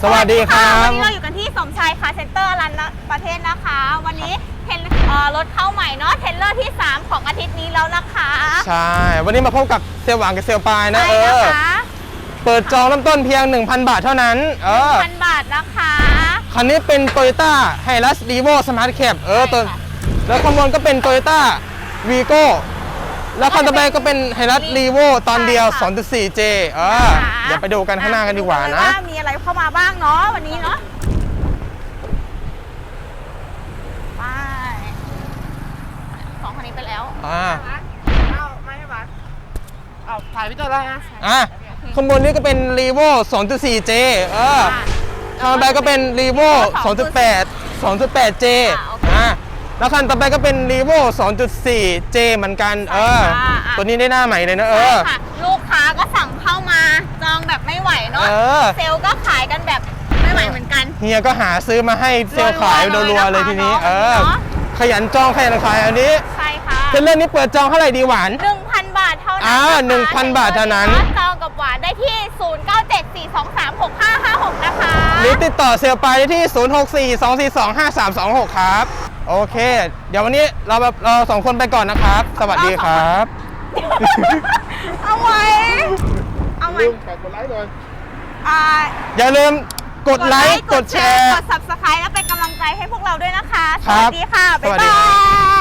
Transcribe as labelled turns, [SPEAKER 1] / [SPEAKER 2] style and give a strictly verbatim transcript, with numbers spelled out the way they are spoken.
[SPEAKER 1] สวัสดีครับ
[SPEAKER 2] วันนี้เราอยู่กันที่สมชายคาร์เซ็นเตอร์รันประเทศนะคะ วันนี้เทนรถเข้าใหม่เนาะเทรลเลอร์ที่สามของอาทิตย์นี้แล้วนะคะ
[SPEAKER 1] ใช่วันนี้มาพบกับเซลหวานกับเซลปายนะ
[SPEAKER 2] ใช่
[SPEAKER 1] เออ
[SPEAKER 2] นะคะ
[SPEAKER 1] เปิดจองเริ่มต้นเพียง หนึ่งพัน บาทเท่านั้นเออ
[SPEAKER 2] พันบาทนะคะ
[SPEAKER 1] คันนี้เป็น Toyota Hilux Revo Smart Cab เออตัว
[SPEAKER 2] ใช่ค่ะ
[SPEAKER 1] แล้วข้างบนก็เป็น Toyota Vigo แล้วคันต่อไปก็เป็น Hilux Revo ตอนเดียว
[SPEAKER 2] ใช่ค่ะ
[SPEAKER 1] สองจุดสี่ เจ เออเดี๋ยวไปดูกันข้างหน้ากันดีกว่านะ
[SPEAKER 2] ว่ามีอะไรเข้ามาบ้างเนาะวันนี้เนาะไปสองคันนี้ไปแล้ว
[SPEAKER 1] อ่า
[SPEAKER 3] เอาไม่ให้บัสเอาถ่ายพี่เจ้าได้นะ
[SPEAKER 1] อ่ะข้างบนนี้ก็เป็น Revo สองจุดสี่ เจ เออข้างต่อไปก็เป็น Revo สองจุดแปด สองจุดแปด เจ อ่ะแล้วคันต่อไปก็เป็น Revo สองจุดสี่ เจ เหมือนกัน เออ ตัวนี้ได้หน้าใหม่เลยนะเออ
[SPEAKER 2] ใช่ค่ะลูกค้าก็สั่งเข้ามาจองแบบไม่ไหวเนาะ
[SPEAKER 1] เออ
[SPEAKER 2] เซลล์ก็ขายกันแบบไม่ไหวเหมือนกัน
[SPEAKER 1] เฮียก็หาซื้อมาให้เซลล์ขายรัวๆเลยทีนี้ เออ ขยันจองขยันขายอันนี้
[SPEAKER 2] ใช่ค่ะ
[SPEAKER 1] เทรลเลอร์นี้เปิดจองเท่าไหร่ดีหวาน
[SPEAKER 2] หนึ่งพัน บาทเท่านั้น
[SPEAKER 1] อ่า
[SPEAKER 2] ะคะ
[SPEAKER 1] หนึ่งพัน บาทเท่านั้น
[SPEAKER 2] จองกับหวานได้ที่ ศูนย์ เก้า เจ็ด สี่ สอง สาม หก ห้า ห้า หก นะคะ
[SPEAKER 1] หรือติดต่อเซลล์ไปได้ที่ ศูนย์ หก สี่ สอง สี่ สอง ห้า สาม สอง หก ครับ โอเค เดี๋ยววันนี้เราแบบเราสองคนไปก่อนนะครับ สวัสดีครับ
[SPEAKER 2] เอาไว้เอาไว้
[SPEAKER 3] ลืมฝากกดไลค์หน่อย
[SPEAKER 2] อ่า
[SPEAKER 1] อย่าลืมกดไลค์ กดแชร์
[SPEAKER 2] กด ซับสไครบ์ แล้วเป็นกำลังใจให้พวกเราด้วยนะคะ ส
[SPEAKER 1] ครับ
[SPEAKER 2] วัสดีค่ะ
[SPEAKER 1] ส
[SPEAKER 2] บ๊าย
[SPEAKER 1] วัสดี
[SPEAKER 2] บา
[SPEAKER 1] ครับ
[SPEAKER 2] ย